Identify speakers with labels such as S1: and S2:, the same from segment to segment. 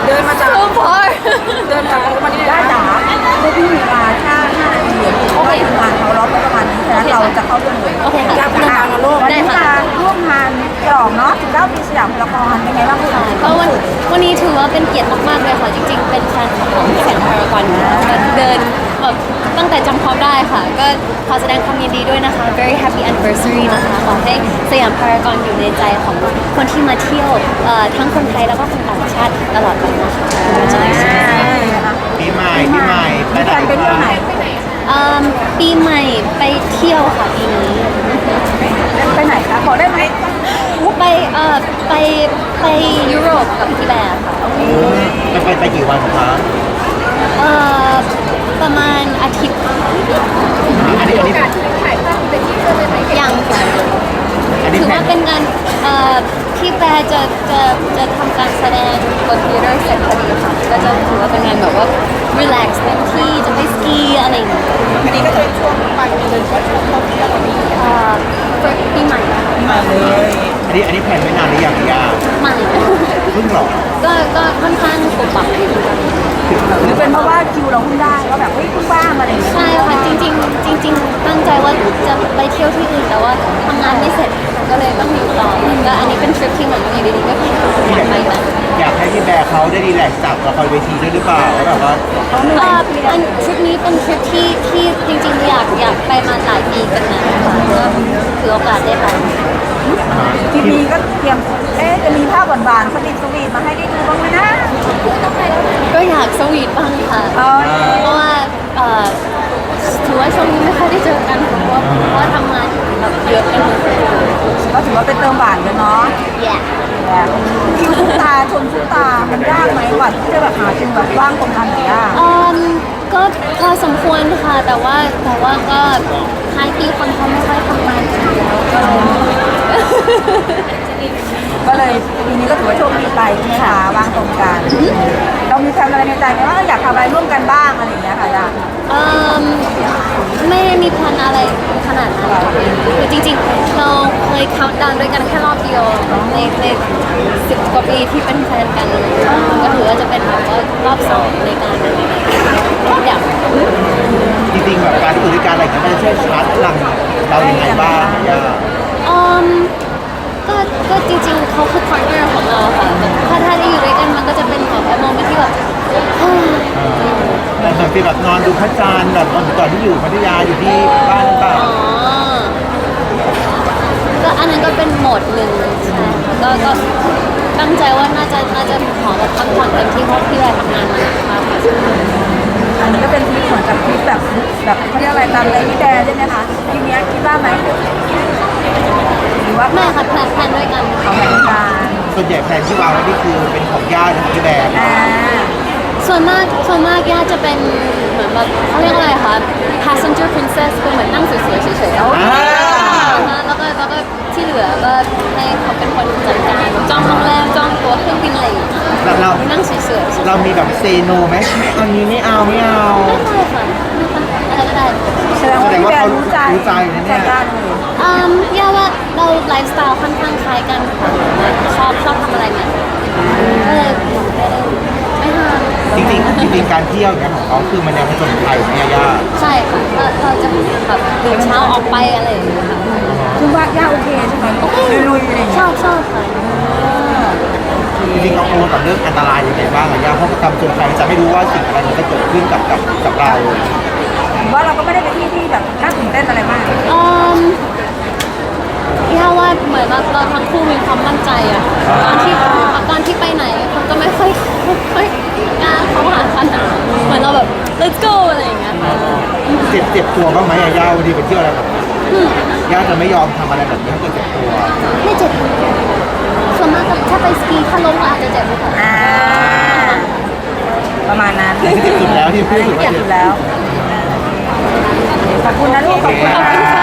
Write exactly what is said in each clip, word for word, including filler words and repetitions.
S1: เดินมาจาก
S2: so far
S1: เดินจากวันนี้ได้จ๋าพวกพี่มีเวลาแค่ห้านาทีเพราะว่าทีมงานเขาล็อกไว้ประมาณนี้ฉะนั้นเราจะเข้าเรื่องเลย
S2: โอเคค่ะ
S1: อยากจะถามโลกวันนี้มาร่วมงานฉลองเนาะสิบเก้าปีสยามพารากอนเป็นไงบ้างคะ
S2: ก็วันวันนี้ถือว่าเป็นเกียรติมากๆเลยค่ะจริงๆเป็นแฟนคลับของสยามพารากอนอยู่แล้วเดินแบบตั้งแต่จำความได้ค่ะก็ขอแสดงความยินดีด้วยนะคะ very happy anniversary นะคะขอให้สยามพารากอนอยู่ในใจของคนที่มาเที่ยวเอ่อทั้งคนไทยแล้วก็คนต่างชาติตลอดไปนะคะ
S3: ปีใหม่ปีใหม่ไป
S1: มี
S3: ไห
S1: แฟ
S3: น
S1: นไปเที่ยวไหน
S2: เอิ่มปีใหม่ไปเที่ยวค่ะปีนี้
S1: ไปไหนคะขอได้ไหม
S2: ไปเอ่อไปไปยุโรปกับพี่แบร์ค่ะ
S3: ไปไปไปกี่วันคะ
S2: เอ่อประมาณอาทิตย์
S3: อันนี้อันนี้
S2: ยังค่ะ
S3: อันนี้
S2: ถือ
S3: แผ
S2: ว่าน เป็นงานเอ่อพี่แบร์จะจะจะทำการแสดงบนทีเตอร์เสร็จพอดีค่ะก็จะถือว่าเป็นงานแบบว่า relax เต็มที่จะไปสกีอะไรอย่างเงี้ย
S1: อันนี้ก็จะเป็นช่วงปลายปีเลยช่วงท่องเที่ยวแบบนี้
S2: เอ่อปีใหม่ค่ะ
S1: มาเลย
S3: อันนี้อันนี้แผนไว้นานหรือยังยา
S2: ใหม่
S3: เพิ่งหรอ
S2: ก็ก็ค่อนข้างปรับปรับอยู่
S1: หรือเป็นเพราะว่าคิวเราเพิ่งได้ว่าแบบเฮ้ยเพิ่งว่างอะไรอย่างเงี้ย
S2: ใช่ค่ะจริงๆจริง ๆ ตั้งใจว่าจะไปเที่ยวที่อื่นแต่ว่าทำงานไม่เสร็จก็เลยต้องอยู่ต่อก็อันนี้เป็นทริปที่เหมือนอยู่ดีๆก็คืออยากไปนะ
S3: อยากให้พี่แบร์เขาได้รีแลกซ์จากละครเวทีด้วยหรือเปล่าว่าแบบว่า
S1: เขาเหนื่
S2: เอ่
S1: อ
S2: อย อันทริปนี้เป็นทริปที่ที่จริงๆอยากอยากไปมาหลายปีกันนะค่ะก็ถือโอกาสได้ไป
S1: ทีนี้ก็เตรียมเอ๊ะจะมีภาพหวานๆสวีทสวีทมาให้ได้ดูบ้างไหมนะ
S2: ก็อยากสวีทบ้างค่ะ
S1: เอ้ย
S2: เพราะว่าเอ่อถือว่าช่วงนี้ไม่ค่อยได้เจอกันเพราะว่าเพราะว่าทำงานแบบเยอะกันหมดเลย
S1: ก็ถือว่าเป็นเติมหวานกันเนาะ
S2: แย่
S1: คิวทุกตาชมทุกตา มันยากไหมกว่าที่จะแบบหาคิวแบบว่างตรงกันหรือยาก
S2: อืมก็พอสมควรค่ะ แต่ว่าแต่ว่าก็ท้ายปีคนเขาไม่ค่อยทำงานกันแล้วก็เลย
S1: ก็เลยปีนี้ก็ถือว่าโชคดีไปใช่ไหมคะว่างตรงกัน เรามีแพลนอะไรในใจไหมว่าอยากทำอะไรร่วมกันบ้างอะไรอย่างเงี้ยค่ะยา
S2: อืมไม่ได้มีแพลนอะไรขนาดนั้นค่ะคือจริงๆ เราเคยคั u ดาวด้วยกันแค่รอบเดียวในในสิบกว่าปีที่เป็นแฟนกันก็ถือว่าจะเป็นแบบว่ารอบสองในการอยาก
S3: จริงๆแบบการที่อยู่ด้วยกันอะไรกันมันจะช่วยชาร์จพลังเราอย่างไรบ้างยา
S2: อืมก็ก็จริงๆเขาคือพาร์ทเนอร์ของเราค่ะถ้าถ้าได้อยู่ด้วยกันมันก็จะเป็นแบบโมเมนต์ที่แบบ
S3: แต่แบบที่แบบนอนดูพระจันทร์แบบตอนที่อยู่พัทยาอยู่ที่บ้านหรือเปล่า
S2: อ๋อก็อันนั้นก็เป็นโหมดหนึ่งใช่ก็ก็ตั้งใจว่าน่าจะน่าจะขอแบบพักผ่อนเต็มที่เพราะพี่แรทำงานมาหนักมากค่ะ
S1: อันนี้ก็เป็นทริปเหมือนกับทริปแบบแบบเขาเรียกอะไรตามเลยพี่แดนใช่ไหมคะทีเนี้ยคิดว่าไหมหรือว่า
S2: ไม่ค่ะแพลนแพลนด้วยกัน
S1: เอาแผนการ
S3: ส่วนใหญ่แผนที่วางไว้นี่คือเป็นของญาติของพี่แบร์
S1: อ่า
S2: ส่วนมากส่วนมากย่าจะเป็นเหมือนแบบเขาเรียกอะไรคะ passenger princess คือเหมือนนั่งสวยๆเฉยๆแล้ว
S3: อ่า
S2: แล้วก็แล้วก็ที่เหลือก็ให้เขาเป็นคนจัดการจองโรงแรมจองตั๋วเครื่องบินอะไรอย่างเงี้ย
S3: เราเรา
S2: นั่งเฉยๆ
S3: เรามีแบบเซโนไหมไม่เอานี้ไม่เอาไม่เอา
S2: ไม่ได้ค่ะอะไรก็ได้
S1: แสดงว่าพี่แดนรู้ใจใจกล้าเลย
S2: อืมย่าว่าเราไลฟ์สไตล์ค่อนข้างคล้ายกันค่ะชอบชอบทำอะไรเนี่ยก็เลยไม่ห้าม
S3: จริงๆจริงๆการเที่ยวเนี่ยของเขาคือมันยังผจญภัยเนี่ยยาก
S2: ใช่ค่ะก็เราจะแบบตื่นเช้าออกไปอะไรอย่างเงี้ยค่ะ
S1: คือว่าย่าโอเคใช่ไหมลุยๆอะไรอย่าง
S2: ช
S1: เงี้
S2: อย บชอบค่ะ
S3: จริงๆเราโอนกับเรื่องอันตรายยังไงบ้างอะยากเพราะการผจญภัยจะไม่รู้ว่าสิ่งอะไรมันจะเกิดขึ้นกับกับกับเรา
S1: หรือว่าเราก็ไม่ได้ไปที่ที่แบบน่าตื่นเต้นอะไรมาก
S2: อืมย่าว่าเหมือนเราเราทั้งคู่มีความมั่นใจอะตอนที่ตอนที่ไปไหนคนก็ไม่ค่อยไม่ค่อยกล้าเข้าหากันอะเหมือนเราแบบ let's go อะไรอย่างเงี้ยค่ะ
S3: เจ็บเจ็บตัวบ้างไหมอะย่าวันนี้ไปเที่ยวอะไรแบบนี้ย่าจะไม่ยอมทำอะไรแบบนี้ถ้าเกิดเจ็บตัว
S2: ไม่เจ็บส่วนมากก็ถ้าไปสกีถ้าล้มก็อาจจะเจ็บค่ะ
S1: อ่า ประมาณนั้น
S3: ที่เจ็บสุดแล้วที่พูด
S1: อัน
S3: ถึ
S1: นี้
S3: ง
S1: เก็บอยู่แล้ว ขอบคุณนะลูก ขอบคุณ
S2: ขอบคุณค่ะ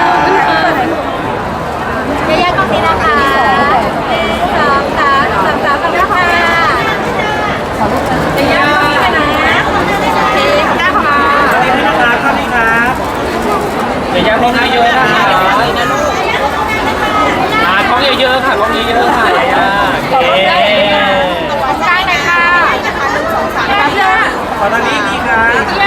S1: ยายากล้องนี้นะคะสามสามสามสามกันนะคะขอลูกนะยายากล้องนี้นะโอเคได้ค่ะ
S4: ครับครับนี่ครับเดี๋ยวยังกล้องเยอะๆนะคะอ่ากล้องเยอะๆค่ะกล้องเยอะๆค่ะยายาโอเค
S1: ได้นะคะ
S4: ขอทางนี้ดีครับ